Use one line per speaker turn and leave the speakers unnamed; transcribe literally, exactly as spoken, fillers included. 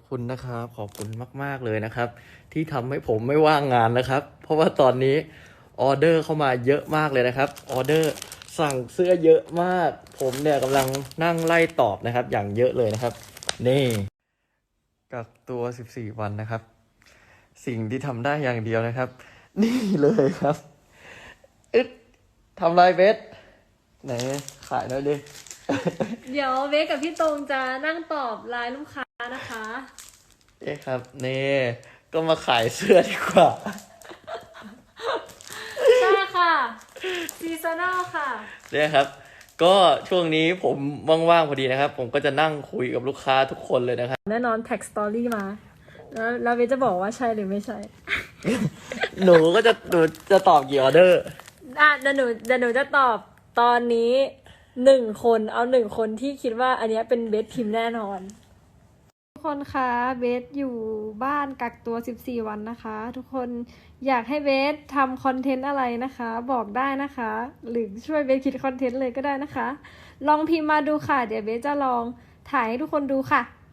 คุณนะครับขอบคุณมากๆเลยนะครับ ที่ทำให้ผมไม่ว่างงานนะครับ เพราะว่าตอนนี้ออเดอร์เข้ามาเยอะมากเลยนะครับออเดอร์สั่งเสื้อเยอะมาก ผมเนี่ยกำลังนั่งไล่ตอบนะครับ อย่างเยอะเลยนะครับ นี่กักตัวสิบสี่วันนะครับ สิ่งที่ทำได้อย่างเดียวนะครับ นี่เลยครับอึดทำไรเบสไหนขายหน่อยดิ
เดี๋ยวเวกกับพี่ตรงจะนั่งตอบไลน์ลูกค้านะคะ
เอ๊ะครับนี่ก็มาขายเสื้อดีกว่า
ใช่ค่ะซีซันแนลค่ะ
เนี่ยครับ ก็ช่วงนี้ผมว่างๆพอดีนะครับ ผมก็จะนั่งคุยกับลูกค้าทุกคนเลยนะครับ
แน่นอนแท็กสตอรี่มา แล้วแล้วเวกจะบอกว่าใช่หรือไม่ใช่
หนูก็จะหนูจะตอบกี่ออเดอร์
อ่ะเดี๋ยวหนูเดี๋ยวหนูจะตอบตอนนี้หนึ่งคนเอาหนึ่งคนที่คิดว่าอันเนี้ยเป็นเบสพิมพ์แน่นอน ทุกคนคะเบสอยู่บ้านกักตัวสิบสี่วันนะคะ ทุกคนอยากให้เบสทำคอนเทนต์อะไรนะคะ บอกได้นะคะ หรือช่วยเบสคิดคอนเทนต์เลยก็ได้นะคะ ลองพิมพ์มาดูค่ะ เดี๋ยวเบสจะลองถ่ายให้ทุกคนดูค่ะ